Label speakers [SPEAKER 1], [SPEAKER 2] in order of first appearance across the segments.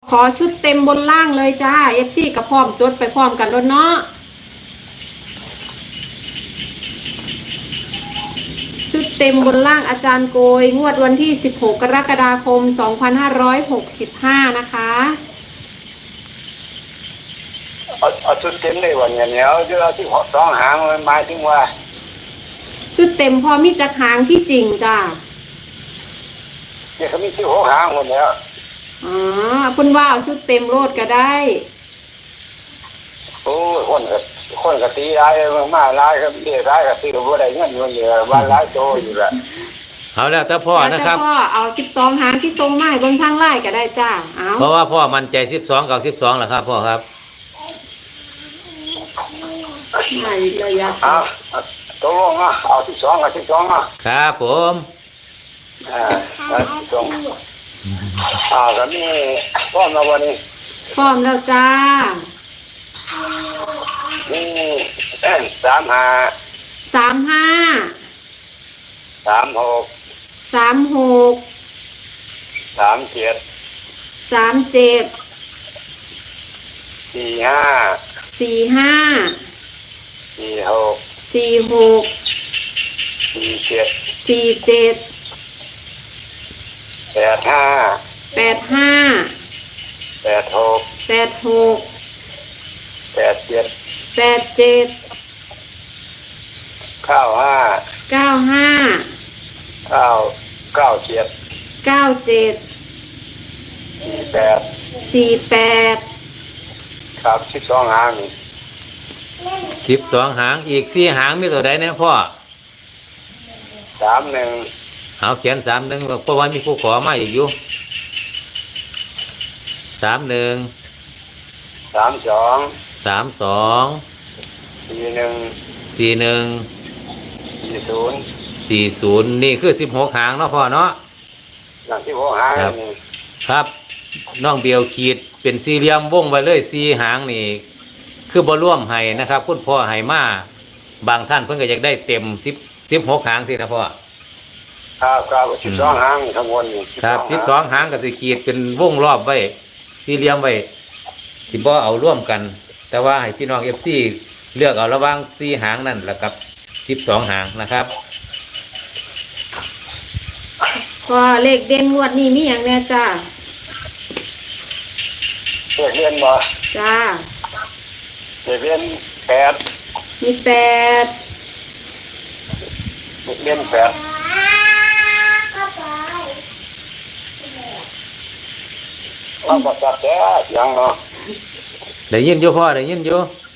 [SPEAKER 1] ขอชุดเต็มบนล่างเลยจ้า FC กับพร้อมจดไปพร้อมกันด้วยเนาะชุดเต็มบนล่างอาจารย์โกยงวดวันที่16กรกฎาคม2565นะคะ
[SPEAKER 2] เอาชุดเต็มเลยวันนี้เอาที่สองหางมันหมายถึงว่า
[SPEAKER 1] ชุดเต็มพอมีจักหางที่จริงจ้า
[SPEAKER 2] เดี๋ยวเขามีที่หกหางหมดแล้ว
[SPEAKER 1] อ๋อคุณว่าเอาชุดเต็มโลดก็ได้
[SPEAKER 2] โอ้คนกตีร้ายมาร้ายครับเรียร้ายกับตีกับว่าได้เงินเยอะบ้านร้ายโตอยู่ละ
[SPEAKER 3] เอาแล้วแต่พ่อนะครับ
[SPEAKER 1] พ่อเอา12หางที่ทรงไม้บนทางไล่ก็ได้จ้าเอา
[SPEAKER 3] เพราะว่าพ่อมั่นใจ12กับ12แหละครับพ่อครับ
[SPEAKER 1] ไม่ระยะ
[SPEAKER 2] ตกลงนะเอา12กับ12
[SPEAKER 3] นะครับผม
[SPEAKER 2] ก็มีพร้อมแล้ววันนี้
[SPEAKER 1] พร้อมแล้วจ้า
[SPEAKER 2] นี่35 36 37 48ครับ12หาง
[SPEAKER 3] 12หางอีก4หางมีตัวใดเนี่ยพ่อ
[SPEAKER 2] 31
[SPEAKER 3] เอาเขียน31เพราะว่ามีผู้ขอมาอีกอยู่31 32 41 40นี่คือ16หางเนาะพ่อเนาะ
[SPEAKER 2] 16หาง
[SPEAKER 3] ครับน้องเบียวขีดเป็นสี่เหลี่ยมวงไว้เลย4หางนี่คือบ่ร่วมให้นะครับคุณพ่อให้มาบางท่านเพิ่นก็อยากได้เต็ม16หางสินะพ่อ
[SPEAKER 2] ครับ12หางทั้งหมด
[SPEAKER 3] ครับ12หางก็สิขีดเป็นวงรอบไว้สี่เหลี่ยมไว้สิบ่เอาร่วมกันแต่ว่าให้พี่น้อง FC เลือกเอาระหว่าง4หางนั่นแล้วกับ12หางนะครับ
[SPEAKER 1] ก็เลขเด่นงวดนี้มีหยังแน่จ้า
[SPEAKER 2] เรียนบ่
[SPEAKER 1] จ้า
[SPEAKER 2] เรียน8
[SPEAKER 1] มี8
[SPEAKER 2] เรียน8เราก็จับแก่ยังเนาะ
[SPEAKER 3] ได้ยินอยู่พ่อได้ยินอยู่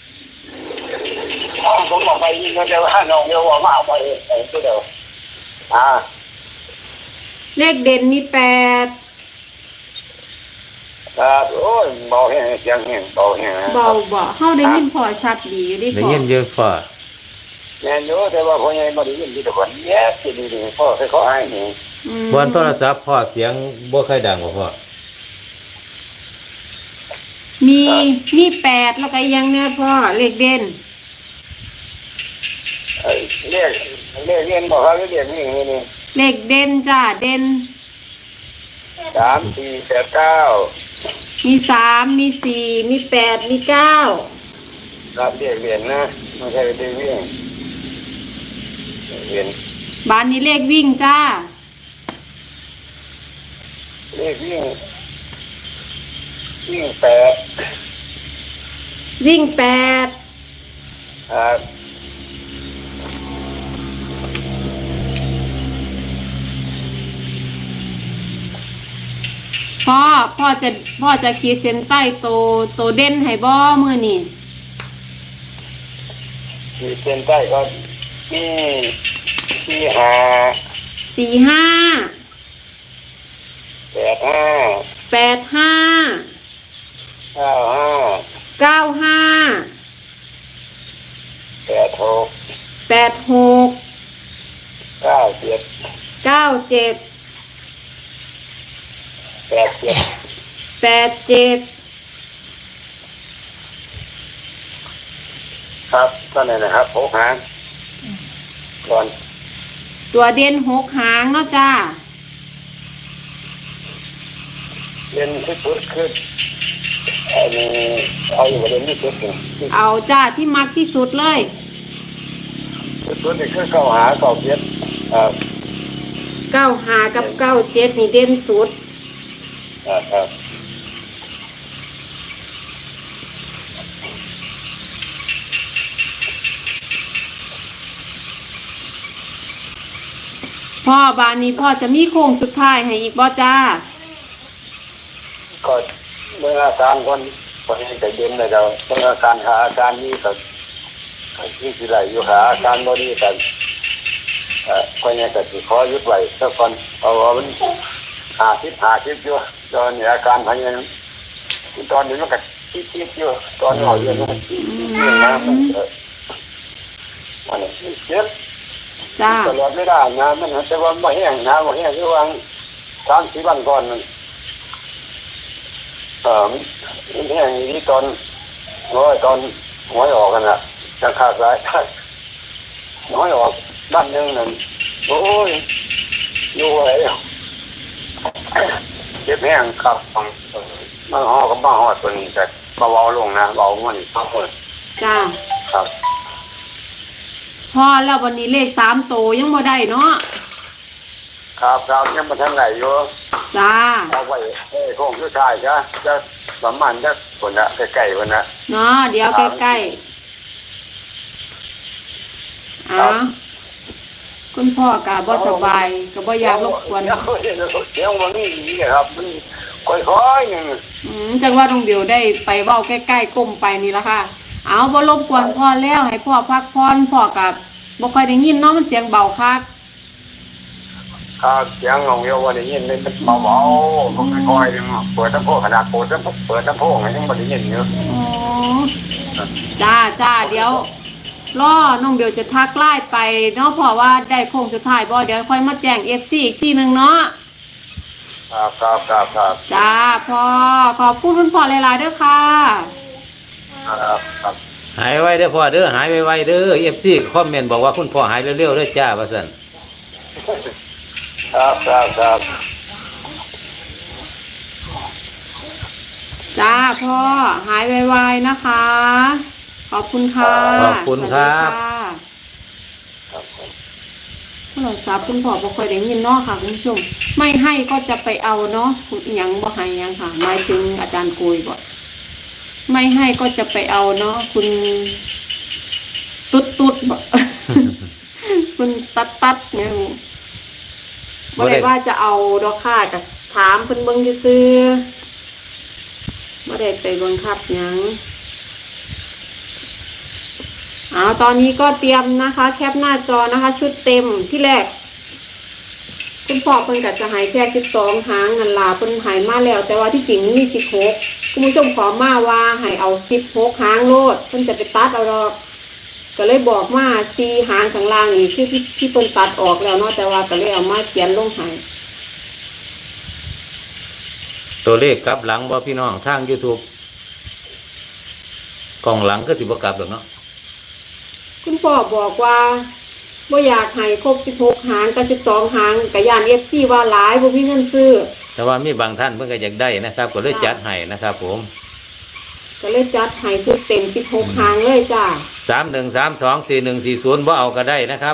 [SPEAKER 2] ผมบอกไปยิงก็จะว่าน้องเดี๋ยวว่ามาเอาไปเดี๋ยว
[SPEAKER 1] เลขเด่นมี8
[SPEAKER 2] ครับโอ้ยเบาแห้งเสียงแห้งเบาแห้ง
[SPEAKER 1] เบาบ่เฮาได้ยินพอชัดดีอยู่ดิพ่อ
[SPEAKER 3] ได้ยินเยอะพ่อ
[SPEAKER 2] แม่นอยู่แต่ว่าพ่อใหญ่บ่ได้ยินดีแต่ว่าแย่สิดีพ่อเคยขอให้นี่
[SPEAKER 3] บนโทรศัพท์พ่อเสียงบ่ค่อยดังบ่พ่อ
[SPEAKER 1] มี8แล้วก็ยังเนี่ยพ่อเลขเด่น
[SPEAKER 2] เรียนบ่ครับเรียนนี่
[SPEAKER 1] เลขเด่นจ้าเด่น
[SPEAKER 2] 3 4 8 9
[SPEAKER 1] มี3มี4มี8มี9
[SPEAKER 2] ครับเรียนนะไม่ใช่เรียน
[SPEAKER 1] บ้านนี้เลขวิ่งจ้า
[SPEAKER 2] เลขวิ่ง8
[SPEAKER 1] วิ่ง8
[SPEAKER 2] ครับ
[SPEAKER 1] พ่อจะขีดเส้นใต้โตเด่นให้บ่มื้อนี้
[SPEAKER 2] ขีดเส้นใต้ก็มีครับก็นั่นนะครับ6หางก่อน
[SPEAKER 1] ตัวเด่น6หางเนาะจ้า
[SPEAKER 2] เรียนที่สุดคืออันนี้เอาอยู่เรียนที่สุดนี่
[SPEAKER 1] เอาจ้าที่มักที่สุดเลย
[SPEAKER 2] ที่สุดนี่คือเข้าหาเก่าเพียร
[SPEAKER 1] 95กับ97นี่เด่นสุด
[SPEAKER 2] ครับ
[SPEAKER 1] พ่อบานนี้พ่อจะมีโค้งสุดท้ายให้อีกบ่จ้า
[SPEAKER 2] ก็เมื่ออาการคนนี้จะเย็นเลยเราเมื่ออาการหาอาการนี้ก็ที่สิไรอยู่หาอาการบ่ดีกันคนนี้ก็สิขอยุดไว้สักคนเอามันหาคิดอยู่ตอนนี้อาการพยายามตอนนี้มันก็คิดอยู่ตอนนี้เอาอยู่มันคิดนะมันเจ็บ
[SPEAKER 1] จ้า
[SPEAKER 2] ตลอดไม่ได้นะมันแต่ว่าไม่แห้งนะไม่แห้งคือว่า3-4 วันก่อนมันมันแห้งอย่างนี้ตอนหวยออกกันน่ะจะขาดสายหวยออกบ้านนึงนั่นโอ้ยอยู่ไอ้เจ็บแห้งครับมาห่อกับมาห่อตัวนี้แต่เบาๆลงนะเบามันทั้งหมด
[SPEAKER 1] จ้า
[SPEAKER 2] ครับ
[SPEAKER 1] พ่อแล้ววันนี้เลข3โตวยังบ่ได้เนาะ
[SPEAKER 2] ครับยังมาทางไหนอยู่
[SPEAKER 1] จ้า
[SPEAKER 2] เอาไว้โค้งสุดท้ายจะประมาณจะคนละใกล้ๆคนละ
[SPEAKER 1] เนาะเดี๋ยวใกล้ๆอ้าวคุณพ่อกะบ่สบายก็บ่อยากรบกวน
[SPEAKER 2] เดี๋ยววันนี้ดีครับมันค่อยๆนึง
[SPEAKER 1] จังว่าน้องเบลได้ไปเว้าใกล้ๆก้มไปนี่ละค่ะเอาบ่รบกวนพ่อแล้วให้พ่อพักผ่อนพ่อกับบ่ค่อยได้ยินเนาะมันเสียงเบาคัก
[SPEAKER 2] ครับเสียงของโยวันนี้มันเบาๆมันค่อยๆนึงเปิดลำโพงขนาดเปิดลำโพงยังไม่ได้ยินอยู่
[SPEAKER 1] อ๋อจ้าเดี๋ยวรอน้องเบลจะทักไลน์ไปเนาะเพราะว่าได้โค้งสุดท้ายบ่เดี๋ยวค่อยมาแจ้ง FC อีกทีนึงเนาะ
[SPEAKER 2] ครับ
[SPEAKER 1] จ้าพ่อขอบคุณคุณพ่อหลายๆเด้อค่ะ
[SPEAKER 2] ครับ
[SPEAKER 3] หายไวเด้อพ่อเด้อหายไวๆเด้อ FC คอมเมนต์บอกว่าคุณพ่อหายเร็วๆเด้อจ้าว่าซั่น
[SPEAKER 2] ครับ
[SPEAKER 1] จ้าพ่อหายไวๆนะคะ ขอบคุณค่ะ
[SPEAKER 3] ขอบคุณครับ
[SPEAKER 1] สวัสดีค่ะโทรศัพท์คุณพ่อบ่ค่อยได้ยินเนาะค่ะคุณผู้ชมไม่ให้ก็จะไปเอาเนาะหยังบ่ให้หยังค่ะหมายถึงอาจารย์โกยบ่ไม่ให้ก็จะไปเอาเนาะคุณตุ๊ดบ่ คุณตัดเนี่ยบ่ได้ว่าจะเอาดอกค่ะกับถามเพิ่นเบิ่งซื่อๆบ่ได้ไปบังคับหยังตอนนี้ก็เตรียมนะคะ แคปหน้าจอนะคะ ชุดเต็มที่แรกคุณพ่อเพิ่นก็จะหายแค่12หางนั่นล่ะเพิ่นหายมาแล้ว แต่ว่าที่จริงมี16คุณผู้ชมขอมาว่าให้เอา16หางโลดเพิ่นจะไปตัดเอาดอกก็เลยบอกมา4หางข้างล่างนี่คือที่เพิ่นตัดออกแล้วเนาะแต่ว่าก็เลยเอามาเขียนลงให้
[SPEAKER 3] ตัวเลขกลับหลังบ่พี่น้องทาง YouTube กล่องหลังก็สิบ่กลับดอกเนาะ
[SPEAKER 1] คุณพ่อบอกว่าบ่อยากให้ครบ16หางกับ12หางก็ย่าน FC ว่าหลายบ่มีเงินซื้อ
[SPEAKER 3] แต่ว่ามีบางท่านเพิ่นก็อยากได้นะครับ ก็เลยจัดให้นะครับผม
[SPEAKER 1] ก็เลยจัดให้ชุดเต็ม16หางเลยจ้า
[SPEAKER 3] 31324140บ่เอาก็ได้นะครับ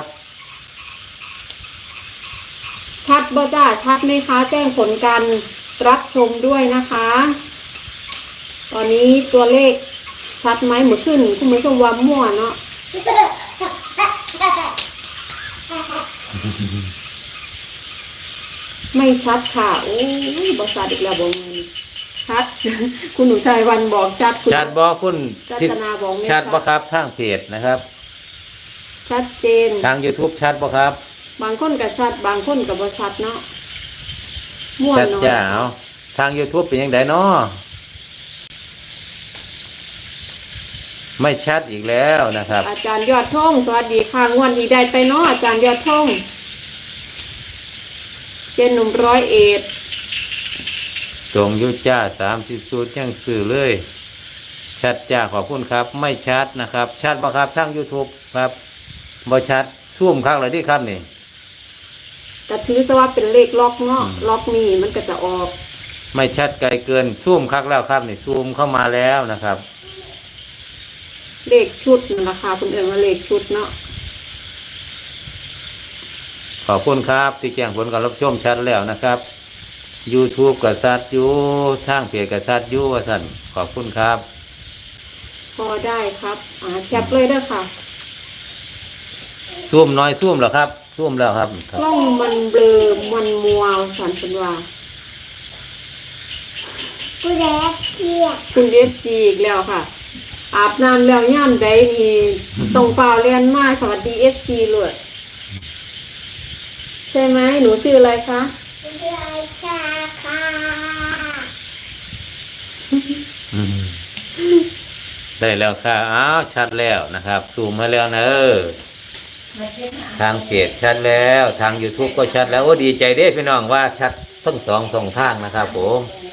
[SPEAKER 1] ชัดบ่จ้าชัดไหมคะ แจ้งผลการรับชมด้วยนะคะ ตอนนี้ตัวเลขชัดไหมเหมือนขึ้นคุณผู้ชมว่ามั่วเนาะไม่ชัดค่ะโอ้ยบอชัดอีกแล้วบอกเงินชัด คุณหนูไทยวันบอกชัดคุณ
[SPEAKER 3] ชัดบ่คุณ
[SPEAKER 1] รัตนาบอกไม่
[SPEAKER 3] ชัดบ่ครับทางเพจนะครับ
[SPEAKER 1] ชัดเจน
[SPEAKER 3] ทาง YouTube ชัดบ่ครับ
[SPEAKER 1] บางคนกับชัดบางคนกับบอชัดเนาะมั่ว
[SPEAKER 3] ชัด
[SPEAKER 1] เนาะ
[SPEAKER 3] จ้าเอาทาง YouTube เป็นยังไงเนาะไม่ชัดอีกแล้วนะครับ
[SPEAKER 1] อาจารย์ยอดท่องสวัสดีค่ะงวดนี้ได้ไปเนาะอาจารย์ยอดท่องเชียนหนุ่ม101
[SPEAKER 3] ตรงอยุจ้า30สูตรยังสื่อเลย ชัดจ้าขอบคุณครับ ไม่ชัดนะครับ ชัดบ่ครับทาง YouTube ครับบ่ชัดซูมข้างเลยที่ครับนี่
[SPEAKER 1] ก็ถือซะว่าเป็นเลขล็อกเนาะล็อกนี่มันก็จะออก
[SPEAKER 3] ไม่ชัดไกลเกินซูมคักแล้วครับนี่ซูมเข้ามาแล้วนะครับ
[SPEAKER 1] เลขชุดนั่นล่ะค่ะเพิ่นเอิ้นว่าเลขชุดเนาะ
[SPEAKER 3] ขอบคุณครับที่แจ้งผลการรับชมชัดแล้วนะครับ YouTube กับซัดอยู่ทางเพจกับซัดอยู่ว่าสั่นขอบคุณครับ
[SPEAKER 1] พอได้ครับแคปเลยเด้อค่ะ
[SPEAKER 3] ซูมน้อยซูมแล้วครับซูมแล้วครับ
[SPEAKER 1] กล้องมันเบลอมันมัวสันเป็นว่า
[SPEAKER 4] กูแดกเกียด
[SPEAKER 1] คุณเอฟซีอีกแล้วค่ะ อาบน้ำแล้วย่ามใดนี่ตรงเปล่าเรียนมาสวัสดีเอฟซีเลยใช่ไหมหนูชื่ออะไรคะ
[SPEAKER 4] กูราชาค่ะ
[SPEAKER 3] อืมได้แล้วค่ะอ้าวชัดแล้วนะครับซูมมาแล้วนะทางเพจชัดแล้วทาง YouTube ก็ชัดแล้วโอ้ดีใจเด้พี่น้องว่าชัดทั้งสองทางนะครับผม
[SPEAKER 4] เ